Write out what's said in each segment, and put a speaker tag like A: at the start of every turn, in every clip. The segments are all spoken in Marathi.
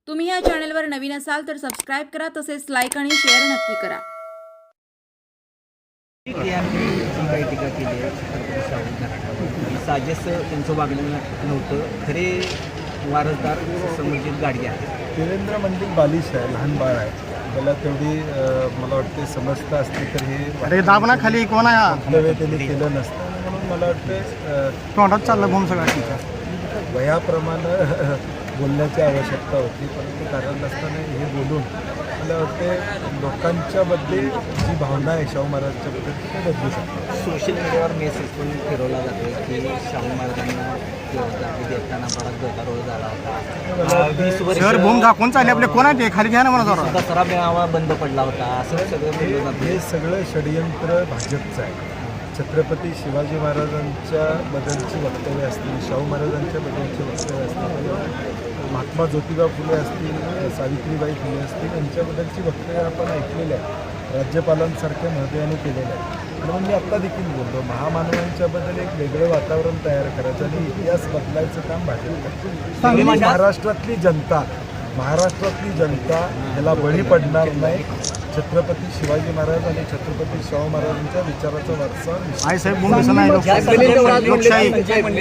A: तुम्ही या चॅनलवर नवीन असाल तर सबस्क्राईब करा, तसेच लाईक आणि शेअर नक्की करा.
B: यांनी जी काही टीका केली आहे छत्रपती शाहू महाराजांवर, साजेस त्यांचं वागणं नव्हतं. खरे वारसदार समर्जित गाडगे आहेत.
C: देवेंद्र मंडलिक बालिश आहे, लहान बाळ आहे. त्याला तेवढी मला वाटते समजता असते तर हे
D: अरे दाबना खाली कोण आहे
C: वक्तव्य त्यांनी केलं नसतं. म्हणून मला वाटते
D: तोंडात चाललं भूम सगळ्या
C: वयाप्रमाणे बोलण्याची आवश्यकता होती, परंतु कारण नसताना हे बोलून मला वाटते लोकांच्यामध्ये जी भावना आहे शाहू महाराजांच्याबद्दल ते बदलू शकते.
B: सोशल मीडियावर मेसेज पण फिरवला जातो की शाहू महाराजांना जागी देताना बराच गदारोळ झाला होता. 20 वर्ष
D: शहर भूम दाखवून चालले आपले कोण आहे ते खाली घ्या ना मला जरा.
B: दसरा मेळावा बंद पडला होता असं सगळं बोललं जातं.
C: हे सगळं षडयंत्र भाजपचं आहे. छत्रपती शिवाजी महाराजांच्या बद्दलची वक्तव्य असतील, शाहू महाराजांच्या बद्दलची वक्तव्य असतील, महात्मा ज्योतिबा फुले असतील, सावित्रीबाई फुले असतील, यांच्याबद्दलची वक्तव्य आपण ऐकलेली आहे. राज्यपालांसारख्या महत्त्वाने केलेलं आहे. म्हणून मी आत्ता देखील बोलतो, महामानवांच्याबद्दल एक वेगळं वातावरण तयार करायचं आणि इतिहास बदलायचं काम भाजप करते. महाराष्ट्रातली जनता ह्याला बळी पडणार नाही. छत्रपती शिवाजी महाराज आणि छत्रपती शाहू महाराजांच्या विचाराचा वारसा
D: आई साहेब भूम दिसत नाही. लोकशाही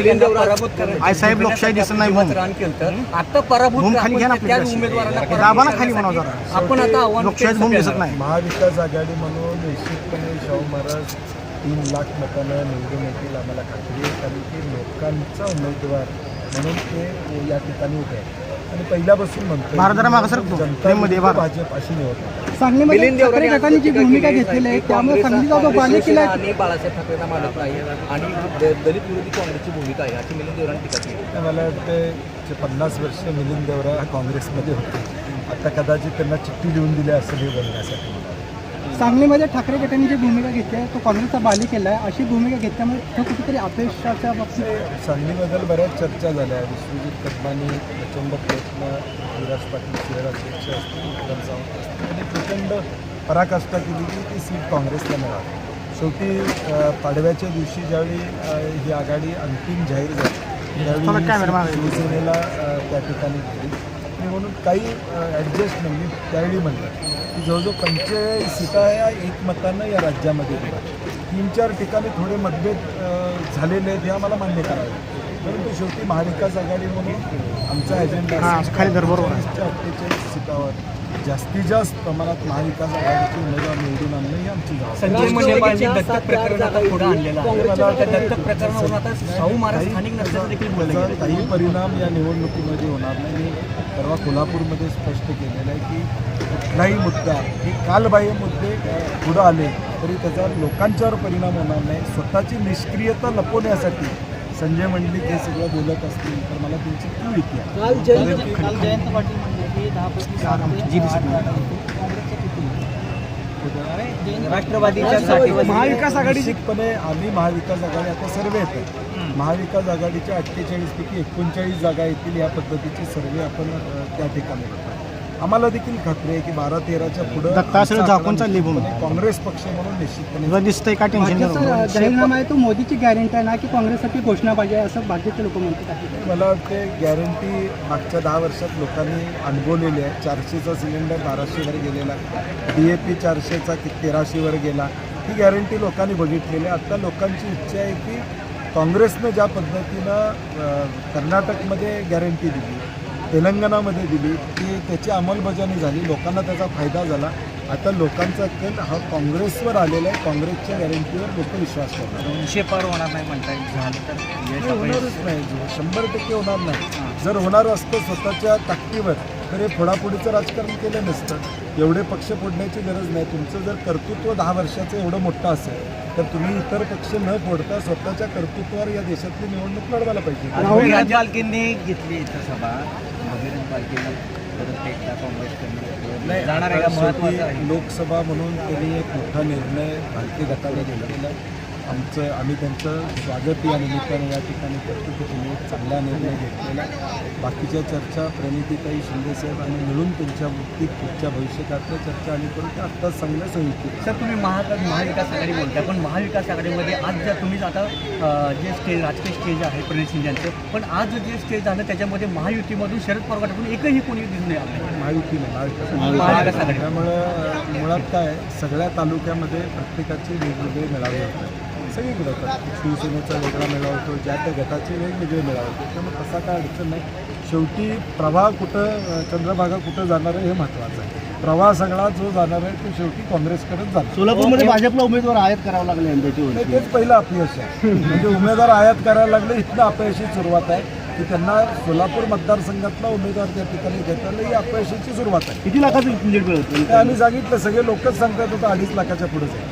D: आई साहेब लोकशाही दिसत नाही. भूम
B: आता पराभूत
D: भूम खाली घ्या ना आपल्या दाबाना खाली म्हणा जरा.
B: आपण आता
D: लोकशाही भूम दिसत नाही.
C: महाविकास आघाडी म्हणून निश्चितपणे शाहू महाराज 3 लाख मतानं निवडून येतील आम्हाला खात्री आहे. कारण की लोकांचा उमेदवार म्हणून ते या ठिकाणी उभे आहेत आणि पहिल्यापासून म्हणतो
D: भारताला मागं सरकतो.
C: जनता भाजप अशी निवडतात.
E: सांगलीमध्ये ठाकरे गटाने जी भूमिका घेतलेली आहे त्यामुळे सांगलीचा जो बालेकिल्ला आहे
B: आणि बाळासाहेब ठाकरेंना मानत नाही आणि दलित विरोधी काँग्रेसची भूमिका आहे अशी मिलिंद देवरांनी टीका केली.
C: मला वाटतं 50 वर्ष मिलिंद देवरा काँग्रेसमध्ये होते. आता कदाचित त्यांना चिठ्ठी लिहून दिली असेल हे बोलण्यासाठी.
E: सांगलीमध्ये ठाकरे गटाने जी भूमिका घेतली आहे तो काँग्रेसचा बालेकिल्ला आहे अशी भूमिका घेतल्यामुळे तो कुठेतरी अपयशाच्या बाबतीत
C: सांगलीबद्दल बऱ्याच चर्चा झाल्या. विश्वजित कदमांनी प्रचंड प्रयत्न, विराज पाटील शहर अध्यक्ष असतील, उत्तम सावंत असतील, त्यांनी प्रचंड पराकाष्ठा केली की ती सीट काँग्रेसला मिळाली. शेवटी पाडव्याच्या दिवशी ज्यावेळी ही आघाडी अंतिम जाहीर झाली त्यावेळी शिवसेनेला त्या ठिकाणी केली आणि म्हणून काही ॲडजस्टमेंट मी त्यावेळी म्हणलं की जवळजवळ 45 सीटा या एकमतानं या राज्यामध्ये दिल्या. 3-4 ठिकाणी थोडे मतभेद झालेले आहेत हे आम्हाला मान्य करावे. परंतु शेवटी महाविकास आघाडी म्हणून आमचा अजेंडा 48 सीटावर जास्तीत जास्त प्रमाणात महाविकास आघाडीची उमेदवार निवडून आणणं ही आमची जबाबदारी. काही परिणाम या निवडणुकीमध्ये होणार नाही. मी परवा कोल्हापूरमध्ये स्पष्ट केलेलं आहे की कुठलाही मुद्दा हे कालबाह्य मुद्दे पुढं आले तरी त्याचा लोकांच्यावर परिणाम होणार नाही. स्वतःची निष्क्रियता लपवण्यासाठी संजय मंडलिक हे सगळं बोलत असतील तर मला त्यांची क्यू येते.
E: जयंत पाटील म्हणजे की 10%
B: राष्ट्रवादीच्या
C: महाविकास आघाडी निश्चितपणे आम्ही महाविकास आघाडी आता सर्वे येतात. महाविकास आघाडीच्या 48 पैकी 39 जागा येतील या पद्धतीचे सर्वे आपण त्या ठिकाणी करतो. आम्हाला देखील खात्री आहे की 12-13च्या पुढे
D: दत्ताश्रय झाकून चालली भूम.
C: काँग्रेस पक्ष म्हणून निश्चितपणे
D: दिसतंय का टेन्शन
E: भाजपचा जाहीरनामा आहे तो मोदीची गॅरंटी आहे ना की काँग्रेससाठी घोषणा पाहिजे असं भाजपचे लोक म्हणतात.
C: मला वाटते गॅरंटी मागच्या 10 वर्षात लोकांनी अनुभवलेली आहे. 400चा सिलेंडर 1200वर गेलेला, DAP 400चा 1300वर गेला. ही गॅरंटी लोकांनी बघितलेली आहे. आता लोकांची इच्छा आहे की काँग्रेसनं ज्या पद्धतीनं कर्नाटकमध्ये गॅरंटी दिली, तेलंगणामध्ये दिली की त्याची अंमलबजावणी झाली, लोकांना त्याचा फायदा झाला. आता लोकांचा कल हा काँग्रेसवर आलेला आहे. काँग्रेसच्या गॅरंटीवर लोक विश्वास करणार.
B: 200 पार होणार नाही म्हणतात. झालं तर
C: होणारच नाही. 100% होणार नाही. जर होणार असतं स्वतःच्या ताकदीवर तर हे फोडाफोडीचं राजकारण केलं नसतं. एवढे पक्ष फोडण्याची गरज नाही. तुमचं जर कर्तृत्व 10 वर्षाचं एवढं मोठं असेल तर तुम्ही इतर पक्ष न फोडता स्वतःच्या कर्तृत्वावर या देशातली निवडणूक लढवायला पाहिजे.
B: राज पालखींनी घेतली इथं सभा, बजरंग पालखींना परत एकदा काँग्रेसकडे जाणार आहे का? महत्त्वाचं आहे.
C: लोकसभा म्हणून त्यांनी एक मोठा निर्णय भारतीय गटाने घेतलेला. आम्ही त्यांचं स्वागत या निमित्तानं या ठिकाणी करतो की तुम्ही एक चांगला निर्णय घेतलेला. बाकीच्या चर्चा प्रणितीताई शिंदेसाहेब आणि मिळून त्यांच्या बाबतीत पुढच्या भविष्यकातल्या चर्चा आणि करून त्या आत्ताच चांगल्या संयुक्त.
F: सर तुम्ही महाविकास आघाडी बोलताय, पण महाविकास आघाडीमध्ये आज जर तुम्ही आता जे स्टेज राजकीय स्टेज आहे प्रणित शिंदे यांचं, पण आज जे स्टेज झालं त्याच्यामध्ये महायुतीमधून शरद पवार गटातून एकही कोणी दिसून नाही आलं.
C: महाविकास आघाडी त्यामुळं मुळात काय सगळ्या तालुक्यामध्ये प्रत्येकाचे वेगवेगळे मेळावे होतात. सगळीकडे होतात. शिवसेनेचा वेगळा मेळावा होतो, ज्या त्या गटाचे वेगवेगळे मेळावे होते. त्यामुळे तसा काय अडचण नाही. शेवटी प्रवाह कुठं चंद्रभागा कुठं जाणार आहे हे महत्त्वाचं आहे. प्रवाह सगळा जो जाणार आहे तो शेवटी काँग्रेसकडेच जाणार.
D: सोलापूरमध्ये भाजपला उमेदवार आयात करावं लागले यंदाची
C: नाही, तेच पहिलं अपयश आहे. म्हणजे उमेदवार आयात करायला लागले इथनं अपयशी सुरुवात आहे की त्यांना सोलापूर मतदारसंघातला उमेदवार त्या ठिकाणी घेता आला, ही अपयशाची सुरुवात आहे.
D: किती लाखाचं लीड मिळत
C: ते आम्ही सांगितलं, सगळे लोकच सांगतात होतं 2.5 लाखाच्या पुढेच आहे.